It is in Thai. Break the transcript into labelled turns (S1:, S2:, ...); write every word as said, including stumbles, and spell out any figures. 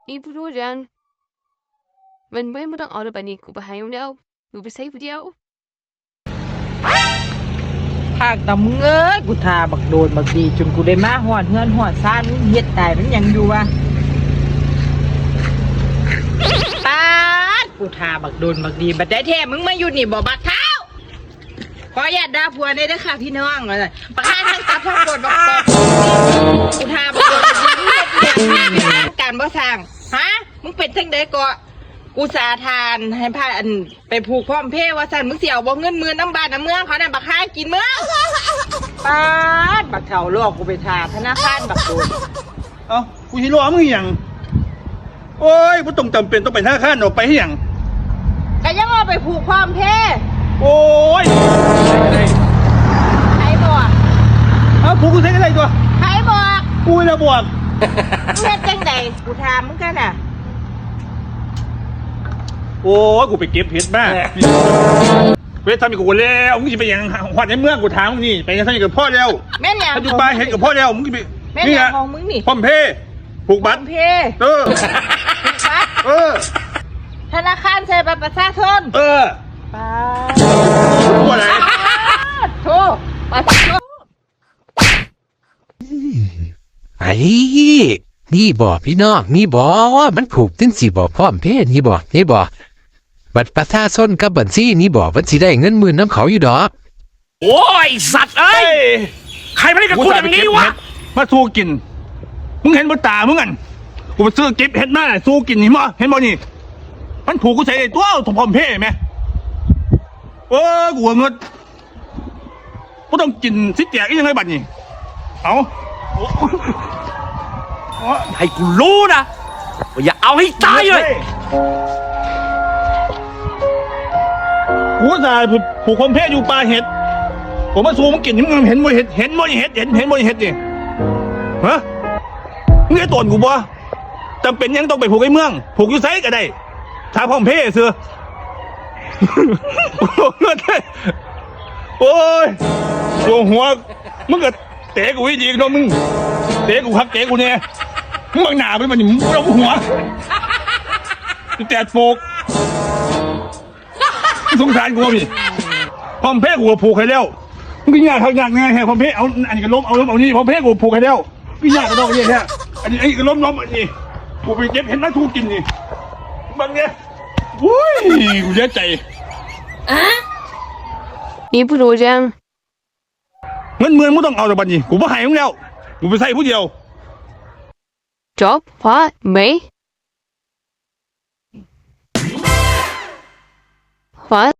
S1: 你不如这样，问为不当熬的把你กูไปหายแล้วกูไปใส่ผู้เดียว
S2: ภาคตำมึงเอ้ยกูทาบักโดนบักดีจนกูได้มาหอดเฮือนหอดซ่านมึงเฮ็ดตายมันยังอยู่วะตาดกูทาบักโดนบักดีบัดได้แท้มึงมาอยู่นี่บ่บักเท้าขออย่าด่าผัวได้เด้อค่ะพี่น้องว่าซั่นบักฆ่าทั้งตับทั้งปวดบักปอกกูทาบักโดนบักดีมึงเฮ็ดหยังการบ่สร้างฮะมึงเป็นจังได๋ก็กูสาทานให้พาอันไปผูกพร้อมเพศว่าสั่นมึงเสียวบ่เงินมือน้ำบานน้ำเมืองเขาน่ะบักห้ากินเมืองป้าดบักเถ่าลอกกูไปทาธนาคารบักโดน
S3: เอ้ากูสิรอมึงอหย่างโอ้ยบ่ต้องจำเป็นต้องไปธนาคารออกไปให้หยัง
S2: ก็ยังเอาไปผูกพร้อมเพศ
S3: โอ้ย
S2: ใครบอก
S3: เอ้าผูกกูใช้อะไรตัว
S2: ใครบอก
S3: กูจะบวก
S2: มึงเฮ็ดจังไดกูถามมึงกันน่ะ
S3: โอ้ยกูไปเก็บเห็ดมาเวททำอีกกูแล้วมึงจะไปอย่างหอดในเมืองกูถามมึงนี่ไปยังทำอีกกับพ่อแล้ว
S2: แม่นหยัง
S3: ถ้าอยู่บ้านเห็ดกับพ่อแล้วมึงจะไป
S2: แม่นหยังของมึงนี่
S3: พร้อมเพย์ผูก
S2: พร้
S3: บั
S2: อ
S3: ตร
S2: มเพศ
S3: เออ
S2: ผูกบัตร
S3: เออ
S2: ธนาคารใช้บัตรประชาชน
S3: เออ
S2: ป้า
S3: กูอะไร
S2: ดโทรบัตรโทร
S4: ไอ้นี่บอกพี่น้องนี่บอกมันผูกถึงสิบอกพร้อมเพศนี่บอกนี่บอกบัตรประชาชนกับบัญชีนี่บอกว่าสิได้เงินหมื่นน้ำเขาอยู่ดอก
S5: โอ้ยสัตว์เอ้ย ใครไม่ได้กับคุณอย่างนี้วะ
S3: มาสู้กิน มึงเห็นบนตามึงกันกูไปซื้อเก็บเห็ดมาสู้กินเห็นบ่เห็นบ่นี่มันผูกกูใส่ไอ้ตัวถมพร้อมเพย์ไหมเออกูว่าเงินกูต้องกินสิแจกอีกยังไงบัดนี้เอาโอ้โอ้
S5: ให้กูรู้นะว่าอย่าเอาให้ตายเลย
S3: กูอุตส่าห์ผูกความเพศอยู่ปลาเห็ดผมมาสู้มึงกินมึงเห็นบ่เห็ดเห็นบ่เห็ดเห็นเห็นบ่เห็ดนี่ฮะมึงไอ้ตนกูบ่จำเป็นยังต้องไปผูกไอ้เมืองผูกอยู่ไซก็ได้ถ้าพร้อมเพศเสือเงินได้โอ้ยตัวหัวมึงก็เตะกูอีดีเนาะมึงเตะกูคักเตะกูเนี่ยมึงบังหน้าไปมันมึงเอาหัวแตะโฟกสงสารกูพี่พร้อมเพศกูผูกให้แล้วมึงกินยาทางยากไงแฮะพร้อมเพศเอาอันนี้ก็ล้มเอาล้มเอานี่พร้อมเพศกูผูกให้แล้วกินยาก็ต้องเนี่ยแค่อันนี้ไอ้ก็ล้มล้มอันนี้กูไปเก็บเห็นไหมทูกินนี่บังเนี่ยวุ้ยกูเสียใจ
S1: 你不如这样，
S3: เงินเมืองมึงต้องเอาแต่บัดนี้กูไม่ให้มึงแล้วกูไปใส่ผู้เดียว
S1: จบพอไหมพอ